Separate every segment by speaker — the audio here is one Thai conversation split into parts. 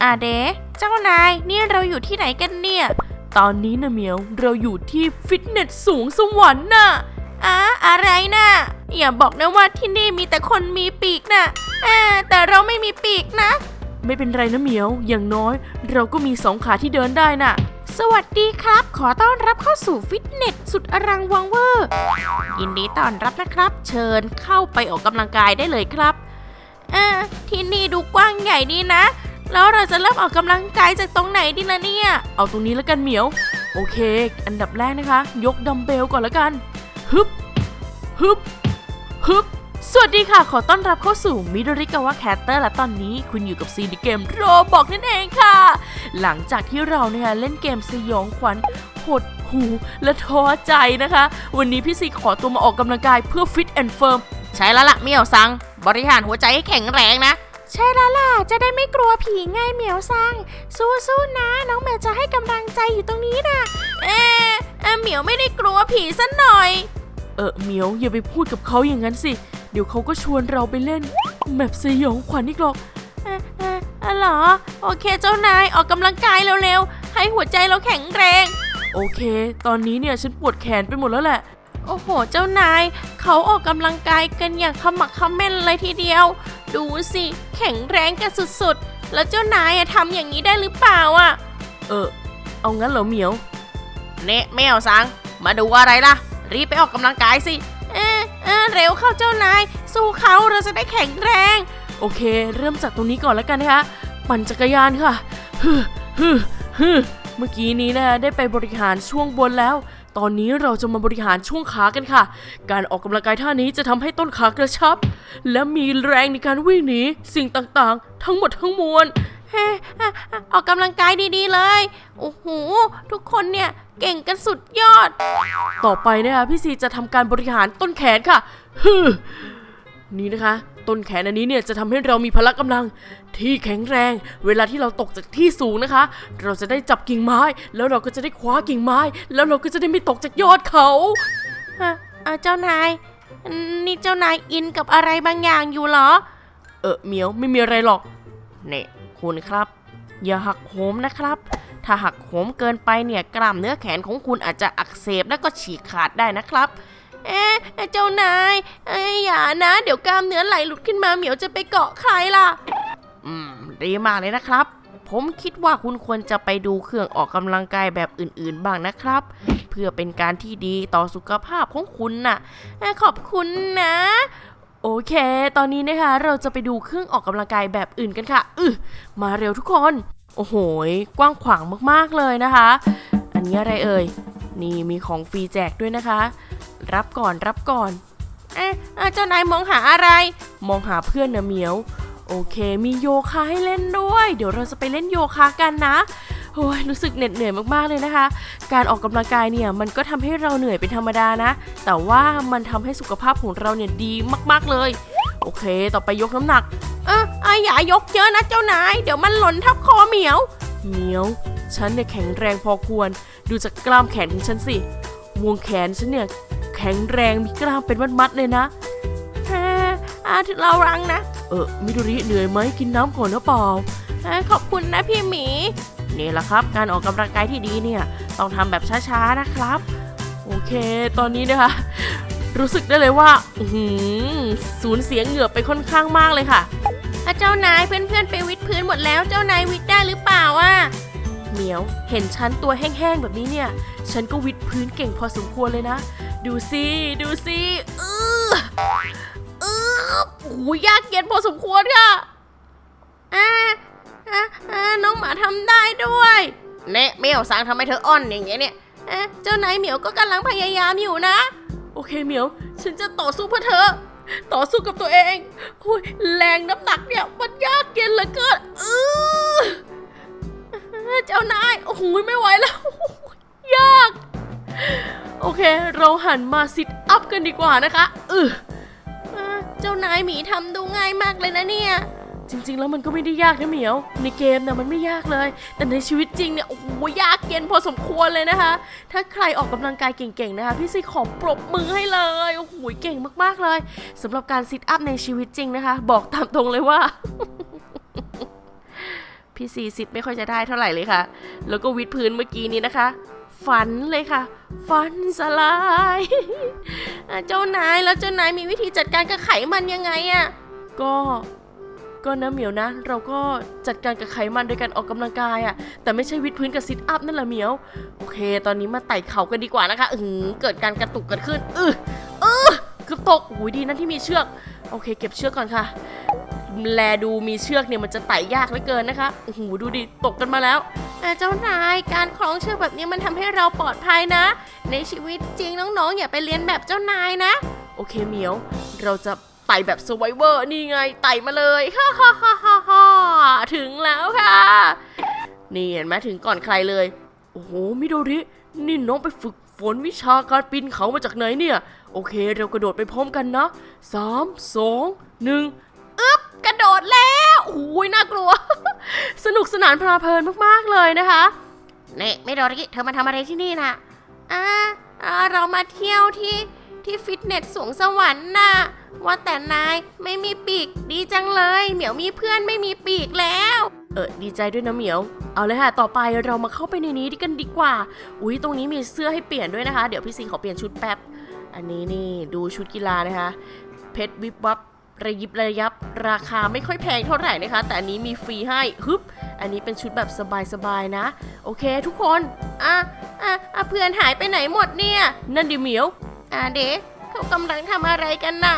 Speaker 1: เด๋เจ้านายนี่เราอยู่ที่ไหนกันเนี่ยตอนนี้นะเหมียวเราอยู่ที่ฟิตเนสสูงสวรรค์น่ะอะไรนะอย่าบอกนะว่าที่นี่มีแต่คนมีปีกนะแต่เราไม่มีปีกนะไม่เป็นไรนะเหมียวอย่างน้อยเราก็มี2 ขาที่เดินได้น่ะสวัสดีครับขอต้อนรับเข้าสู่ฟิตเนสสุดอลังวังเวอร์ยินดีต้อนรับนะครับเชิญเข้าไปออกกำลังกายได้เลยครับที่นี่ดูกว้างใหญ่ดีนะแล้วเราจะเริ่มออกกำลังกายจากตรงไหนดีล่ะเนี่ยเอาตรงนี้แล้วกันเหมียวโอเคอันดับแรกนะคะยกดัมเบลก่อนแล้วกันฮึบฮึบฮึบสวัสดีค่ะขอต้อนรับเข้าสู่มิโดริกาวะแคสเตอร์และตอนนี้คุณอยู่กับซีดีเกมโรบอกนั่นเองค่ะหลังจากที่เราเนี่ยเล่นเกมสยองขวัญหดหูและท้อใจนะคะวันนี้พี่ซีขอตัวมาออกกำลังกายเพื่อฟิตแอนด์เฟิร์มใช่แล้วล่ะเมี่ยวซังบริหารหัวใจให้แข็งแรงนะใช่แล้วล่ะจะได้ไม่กลัวผีไงเหมียวซังสู้ๆนะน้องแมวจะให้กำลังใจอยู่ตรงนี้นะเหมียวไม่ได้กลัวผีซะหน่อยเหมียวอย่าไปพูดกับเขาอย่างนั้นสิเดี๋ยวเขาก็ชวนเราไปเล่นแมปสยองขวัญอีกหรอกเหรอโอเคเจ้านายออกกำลังกายเร็วๆให้หัวใจเราแข็งแรงโอเคตอนนี้เนี่ยฉันปวดแขนไปหมดแล้วแหละโอ้โหเจ้านายเขาออกกำลังกายกันอย่างขมักเขม้นเลยทีเดียวดูสิแข็งแรงกันสุดๆแล้วเจ้านายทำอย่างนี้ได้หรือเปล่าเอางั้นเหรอเหมียวเน่แมวซังมาดูอะไรล่ะรีบไปออกกำลังกายสิเร็วเข้าเจ้านายสู้เขาเราจะได้แข็งแรงโอเคเริ่มจากตรงนี้ก่อนแล้วกันนะคะปั่นจักรยานค่ะเมื่อกี้นี้นะได้ไปบริหารช่วงบนแล้วตอนนี้เราจะมาบริหารช่วงขากันค่ะการออกกำลังกายท่านี้จะทำให้ต้นขากระชับและมีแรงในการวิ่งหนีสิ่งต่างๆทั้งหมดทั้งมวลออกกำลังกายดีๆเลยโอ้โหทุกคนเนี่ยเก่งกันสุดยอดต่อไปนะคะพี่ซีจะทำการบริหารต้นแขนค่ะนี่นะคะต้นแขนอันนี้เนี่ยจะทำให้เรามีพละกำลังที่แข็งแรงเวลาที่เราตกจากที่สูงนะคะเราจะได้จับกิ่งไม้แล้วเราก็จะได้คว้ากิ่งไม้แล้วเราก็จะได้ไม่ตกจากยอดเขาเจ้านายนี่เจ้านายอินกับอะไรบางอย่างอยู่เหรอเหมียวไม่มีอะไรหรอกเนี่ยคุณครับอย่าหักโหมนะครับถ้าหักโหมเกินไปเนี่ยกล้ามเนื้อแขนของคุณอาจจะอักเสบและก็ฉีกขาดได้นะครับเจ้านายอย่านะเดี๋ยวกล้ามเนื้อไหลหลุดขึ้นมาเหมียวจะไปเกาะใครล่ะดีมากเลยนะครับผมคิดว่าคุณควรจะไปดูเครื่องออกกำลังกายแบบอื่นๆบ้างนะครับเพื่อเป็นการที่ดีต่อสุขภาพของคุณน่ะขอบคุณนะโอเคตอนนี้นะคะเราจะไปดูเครื่องออกกำลังกายแบบอื่นกันค่ะมาเร็วทุกคนโอ้โหกว้างขวางมากๆเลยนะคะอันนี้อะไรเอ่ยนี่มีของฟรีแจกด้วยนะคะรับก่อนเจ้านายมองหาอะไรมองหาเพื่อนนะเหมียวโอเคมีโยคะให้เล่นด้วยเดี๋ยวเราจะไปเล่นโยคะกันนะโอ้ยรู้สึกเหน็ดเหนื่อยมากๆเลยนะคะการออกกำลังกายเนี่ยมันก็ทำให้เราเหนื่อยเป็นธรรมดานะแต่ว่ามันทำให้สุขภาพของเราเนี่ยดีมากๆเลยโอเคต่อไปยกน้ำหนักอย่ายกเยอะนะเจ้านายเดี๋ยวมันหล่นทับคอเหมียวฉันเนี่ยแข็งแรงพอควรดูจากกล้ามแขนของฉันสิวงแขนฉันเนี่ยแข็งแรงมีกล้ามเป็นมัดๆเลยนะถึงเรารังนะมิโดริเหนื่อยไหมกินน้ำก่อนนะเปล่าขอบคุณนะพี่หมีนี่แหละครับการออกกำลังกายที่ดีเนี่ยต้องทำแบบช้าๆนะครับโอเคตอนนี้นะคะรู้สึกได้เลยว่าสูญเสียเหงื่อไปค่อนข้างมากเลยค่ะเจ้านายเพื่อนๆไปวิดพื้นหมดแล้วเจ้านายวิดได้หรือเปล่าเหมียวเห็นฉันตัวแห้งๆแบบนี้เนี่ยฉันก็วิดพื้นเก่งพอสมควรเลยนะดูสิโอ้ยยากเย็นพอสมควรค่ะน้องหมาทำได้ด้วยเนี่ยเหมียวสั่งทำไมเธออ่อนอย่างเงี้ยเนี่ยเจ้านายเหมียวก็กำลังพยายามอยู่นะโอเคเหมียวฉันจะต่อสู้เพื่อเธอต่อสู้กับตัวเองแรงน้ำหนักเนี่ยมันยากเย็นเหลือเกินเจ้านายโอ้โหไม่ไหวแล้วยากโอเคเราหันมาซิทอัพกันดีกว่านะคะเจ้านายหมีทำดูง่ายมากเลยนะเนี่ยจริงๆแล้วมันก็ไม่ได้ยากนะเหมียวในเกมนะมันไม่ยากเลยแต่ในชีวิตจริงเนี่ยโอ้โหยากเย็นพอสมควรเลยนะคะถ้าใครออกกำลังกายเก่งๆนะคะพี่ซีขอปรบมือให้เลยโอ้โหเก่งมากๆเลยสำหรับการซิทอัพในชีวิตจริงนะคะบอกตามตรงเลยว่าพี่ซีซิดไม่ค่อยจะได้เท่าไหร่เลยค่ะแล้วก็วิดพื้นเมื่อกี้นี้นะคะฝันเลยค่ะฝันสลาย เจ้านายแล้วเจ้านายมีวิธีจัดการกับไขมันยังไงอะก็นะเหมียวนะเราก็จัดการกับไขมันโดยการออกกำลังกายอะแต่ไม่ใช่วิดพื้นกับซิทอัพนั่นแหละเหมียวโอเคตอนนี้มาไต่เขากันดีกว่านะคะเกิดการกระตุกกันขึ้นเกือบตกอุ้ยดีนะที่มีเชือกโอเคเก็บเชือกก่อนค่ะแลดูมีเชือกเนี่ยมันจะไต่ยากเหลือเกินนะคะโอ้โหดูดิตกกันมาแล้วเจ้านายการคล้องเชือกแบบนี้มันทำให้เราปลอดภัยนะในชีวิตจริงน้องๆอย่าไปเรียนแบบเจ้านายนะโอเคเหมียวเราจะไต่แบบSurvivorนี่ไงไต่มาเลยฮ่าฮ่าฮ่าฮ่าฮ่าถึงแล้วค่ะนี่เห็นไหมถึงก่อนใครเลยโอ้โหมิโดรินี่น้องไปฝึกฝนวิชาการปีนเขามาจากไหนเนี่ยโอเคเรากระโดดไปพร้อมกันนะ3 2 1กระโดดแล้วโอ้ยน่ากลัว สนุกสนานเพลิดเพลินมากๆเลยนะคะนี่มิโดริเธอมาทำอะไรที่นี่นะเรามาเที่ยวที่ฟิตเนสสวงสวรรค์น่ะว่าแต่นายไม่มีปีกดีจังเลยเหมียวมีเพื่อนไม่มีปีกแล้วดีใจด้วยนะเหมียวเอาเลยค่ะต่อไปเรามาเข้าไปในนี้กันดีกว่าอุ๊ยตรงนี้มีเสื้อให้เปลี่ยนด้วยนะคะเดี๋ยวพี่ซีขอเปลี่ยนชุดแป๊บอันนี้นี่ดูชุดกีฬานะคะเพชรวิบวับระยิบระยับราคาไม่ค่อยแพงเท่าไหร่นะคะแต่อันนี้มีฟรีให้อันนี้เป็นชุดแบบสบายๆนะโอเคทุกคนเพื่อนหายไปไหนหมดเนี่ยนั่นดิเหมียวเด็กเขากำลังทำอะไรกันน่ะ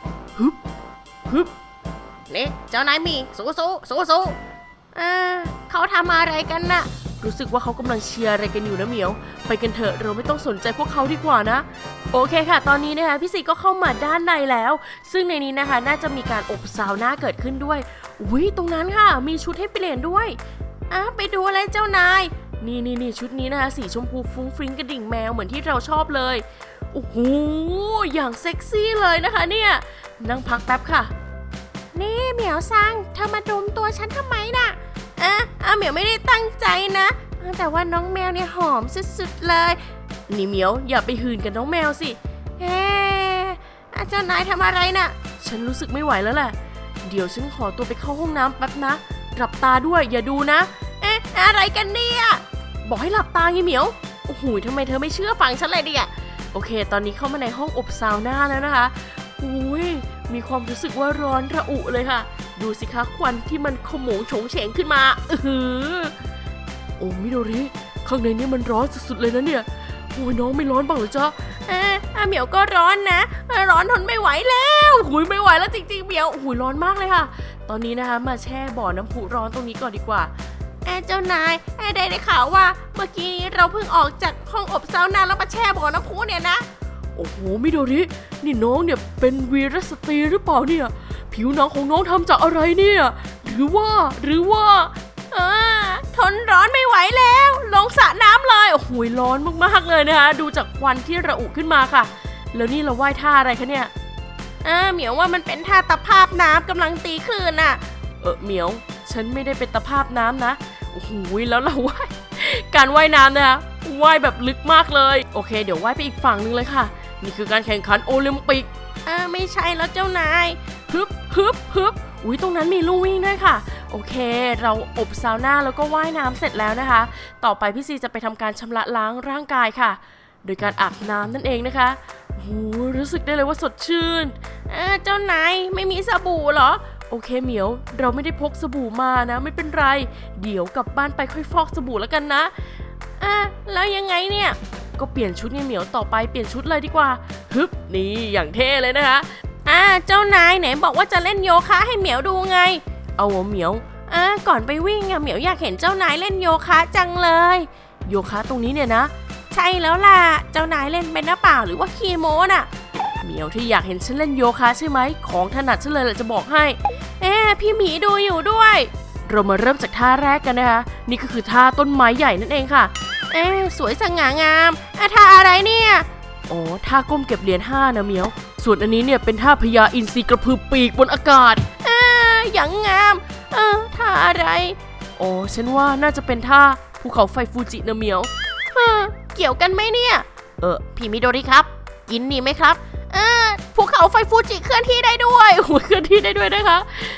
Speaker 1: นี่เจ้านายมีสู้เขาทำอะไรกันน่ะรู้สึกว่าเขากำลังเชียร์อะไรกันอยู่นะเหมียวไปกันเถอะเราไม่ต้องสนใจพวกเขาดีกว่านะโอเคค่ะตอนนี้นะคะพี่ซีก็เข้ามาด้านในแล้วซึ่งในนี้นะคะน่าจะมีการอบซาวน่าเกิดขึ้นด้วยอุ้ยตรงนั้นค่ะมีชุดให้เปลี่ยนด้วยไปดูอะไรเจ้านายนี่ชุดนี้นะคะสีชมพูฟุ้งฟริ้งกระดิ่งแมวเหมือนที่เราชอบเลยโอ้โหอย่างเซ็กซี่เลยนะคะเนี่ยนั่งพักแป๊บค่ะนี่เหมียวซังเธอมาดมตัวฉันทำไมน่ะเหมียวไม่ได้ตั้งใจนะแต่ว่าน้องแมวเนี่ยหอมสุดๆเลยนี่เหมียวอย่าไปหื่นกับน้องแมวสิเจ้านายทำอะไรน่ะฉันรู้สึกไม่ไหวแล้วแหละเดี๋ยวฉันขอตัวไปเข้าห้องน้ำแป๊บนะหลับตาด้วยอย่าดูนะอะไรกันเนี่ยบอกให้หลับตาไงเหมียวโอ้โหทำไมเธอไม่เชื่อฟังฉันเลยดิโอเคตอนนี้เข้ามาในห้องอบซาวน่าแล้วนะคะอุ้ยมีความรู้สึกว่าร้อนระอุเลยค่ะดูสิคะควันที่มันขโมงโฉงเฉงขึ้นมาโอ้มิโดริข้างในนี้มันร้อนสุดๆเลยนะเนี่ยโอ้ยน้องไม่ร้อนบ้างเหรอจ๊ะเหมียวก็ร้อนนะร้อนทนไม่ไหวแล้วหุยไม่ไหวแล้วจริงๆเหมียวหุยร้อนมากเลยค่ะตอนนี้นะคะมาแช่บ่อน้ำพุร้อนตรงนี้ก่อนดีกว่าเจ้านายได้ข่าวว่าเมื่อกี้เราเพิ่งออกจากห้องอบซาวน่าแล้วมาแช่บ่อน้ำพุเนี่ยนะโอ้โหมิโดรินี่น้องเนี่ยเป็นวีรสตรีหรือเปล่าเนี่ยผิวหนังของน้องทำจากอะไรเนี่ยหรือว่าทนร้อนไม่ไหวแล้วลงสระน้ำเลยโอ้โหร้อนมากๆเลยนะคะดูจากควันที่ระอุขึ้นมาค่ะแล้วนี่เราว่ายท่าอะไรคะเนี่ยเหมียวว่ามันเป็นท่าตะภาพน้ำกำลังตีคลื่นน่ะเหมียวฉันไม่ได้เป็นตะภาพน้ำนะโอ้โหแล้วเราว่ายการว่ายน้ำนะคะว่ายแบบลึกมากเลยโอเคเดี๋ยวว่ายไปอีกฝั่งนึงเลยค่ะนี่คือการแข่งขันโอลิมปิกไม่ใช่แล้วเจ้านายฮึบอุ้ยตรงนั้นมีลู่วิ่งด้วยค่ะโอเคเราอบซาวน่าแล้วก็ว่ายน้ำเสร็จแล้วนะคะต่อไปพี่ซีจะไปทำการชำระล้างร่างกายค่ะโดยการอาบน้ำนั่นเองนะคะโอ้โหรู้สึกได้เลยว่าสดชื่นเจ้านายไม่มีสบู่เหรอโอเคเหมียวเราไม่ได้พกสบู่มานะไม่เป็นไรเดี๋ยวกลับบ้านไปค่อยฟอกสบู่แล้วกันนะแล้วยังไงเนี่ยก็เปลี่ยนชุดไงเหมียวต่อไปเปลี่ยนชุดเลยดีกว่าฮึบนี่อย่างเท่เลยนะคะเจ้านายไหนบอกว่าจะเล่นโยคะให้เหมียวดูไงเอาเหมียวก่อนไปวิ่งเหมียวอยากเห็นเจ้านายเล่นโยคะจังเลยโยคะตรงนี้เนี่ยนะใช่แล้วล่ะเจ้านายเล่นเป็นหรือเปล่าหรือว่าขี้โม้น่ะเหมียวที่อยากเห็นฉันเล่นโยคะใช่ไหมของถนัดฉันเลยแหละจะบอกให้พี่หมีดูอยู่ด้วยเรามาเริ่มจากท่าแรกกันนะคะนี่ก็คือท่าต้นไม้ใหญ่นั่นเองค่ะสวยสง่างามท่าอะไรเนี่ยท่าก้มเก็บเหรียญ5นะเหมียวส่วนอันนี้เนี่ยเป็นท่าพญาอินทรีกระพือปีกบนอากาศอย่างงามท่าอะไรฉันว่าน่าจะเป็นท่าภูเขาไฟฟูจินะเหมียวเกี่ยวกันไหมเนี่ยพี่มิโดริครับกินนี่ไหมครับภูเขาไฟฟูจิเคลื่อนที่ได้ด้วยเคลื่อนที่ได้ด้วยนะคะ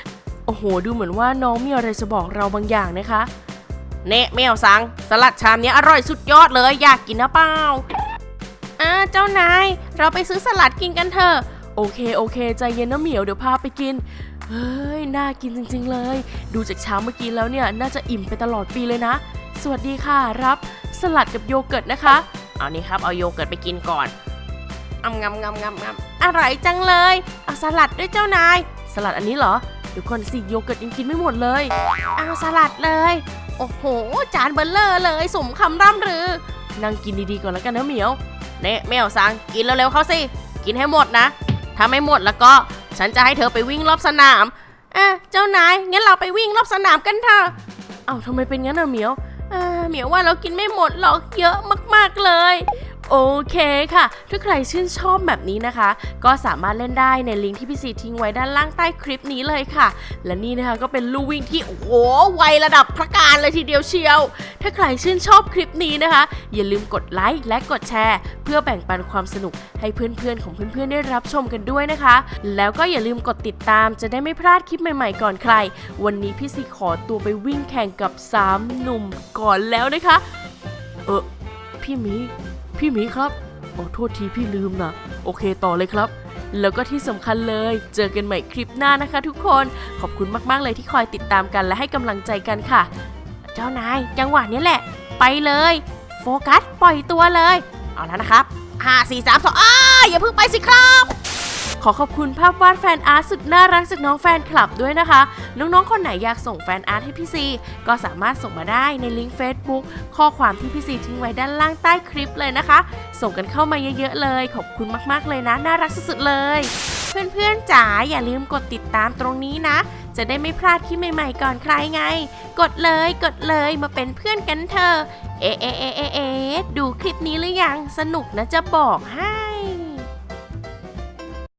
Speaker 1: โอ้โหดูเหมือนว่าน้องมีอะไรจะบอกเราบางอย่างนะคะเน่แมวสังสลัดชามนี้อร่อยสุดยอดเลยอยากกินนะเปล่าเจ้านายเราไปซื้อสลัดกินกันเถอะโอเคใจเย็นนะเหมียวเดี๋ยวพาไปกินเฮ้ยน่ากินจริงๆเลยดูจากชามเมื่อกี้แล้วเนี่ยน่าจะอิ่มไปตลอดปีเลยนะสวัสดีค่ะรับสลัดกับโยเกิร์ตนะคะเอานี่ครับเอาโยเกิร์ตไปกินก่อนงำอร่อยจังเลยเอาสลัดด้วยเจ้านายสลัดอันนี้เหรอเดี๋ยวก่อนสิโยเกิร์ตยังกินไม่หมดเลยเอาสลัดเลยโอ้โหจานเบลเลอร์เลยสมคำร่ำรือนั่งกินดีๆก่อนแล้วกันนะเหมียวเน่แมวสังกินเร็วๆเขาสิกินให้หมดนะถ้าไม่หมดแล้วก็ฉันจะให้เธอไปวิ่งรอบสนามเจ้านายงั้นเราไปวิ่งรอบสนามกันเถอะเอ้าทำไมเป็นงั้นอะเหมียวเหมียวว่าเรากินไม่หมดหรอกเยอะมากๆเลยโอเคค่ะถ้าใครชื่นชอบแบบนี้นะคะก็สามารถเล่นได้ในลิงก์ที่พี่ซีทิ้งไว้ด้านล่างใต้คลิปนี้เลยค่ะและนี่นะคะก็เป็นลู่วิ่งที่โอ้โหไวระดับพระการเลยทีเดียวเชียวถ้าใครชื่นชอบคลิปนี้นะคะอย่าลืมกดไลค์และกดแชร์เพื่อแบ่งปันความสนุกให้เพื่อนๆของเพื่อนๆได้รับชมกันด้วยนะคะแล้วก็อย่าลืมกดติดตามจะได้ไม่พลาดคลิปใหม่ๆก่อนใครวันนี้พี่ซีขอตัวไปวิ่งแข่งกับ3หนุ่มก่อนแล้วนะคะพี่หมีครับโทษทีพี่ลืมนะโอเคต่อเลยครับแล้วก็ที่สำคัญเลยเจอกันใหม่คลิปหน้านะคะทุกคนขอบคุณมากๆเลยที่คอยติดตามกันและให้กำลังใจกันค่ะเจ้านายจังหวะนี้แหละไปเลยโฟกัสปล่อยตัวเลยเอาแล้วนะครับ5 4 3 2อย่าเพิ่งไปสิครับขอขอบคุณภาพวาดแฟนอาร์ตสุดน่ารักจากน้องแฟนคลับด้วยนะคะน้องๆคนไหนอยากส่งแฟนอาร์ตให้พี่ซีก็สามารถส่งมาได้ในลิงก์ Facebook ข้อความที่พี่ซีทิ้งไว้ด้านล่างใต้คลิปเลยนะคะส่งกันเข้ามาเยอะๆเลยขอบคุณมากๆเลยนะน่ารักสุดๆเลยเพื่อนๆจ๋าอย่าลืมกดติดตามตรงนี้นะจะได้ไม่พลาดคลิปใหม่ๆก่อนใครไงกดเลยมาเป็นเพื่อนกันเถอะดูคลิปนี้หรือยังสนุกนะจะบอกให้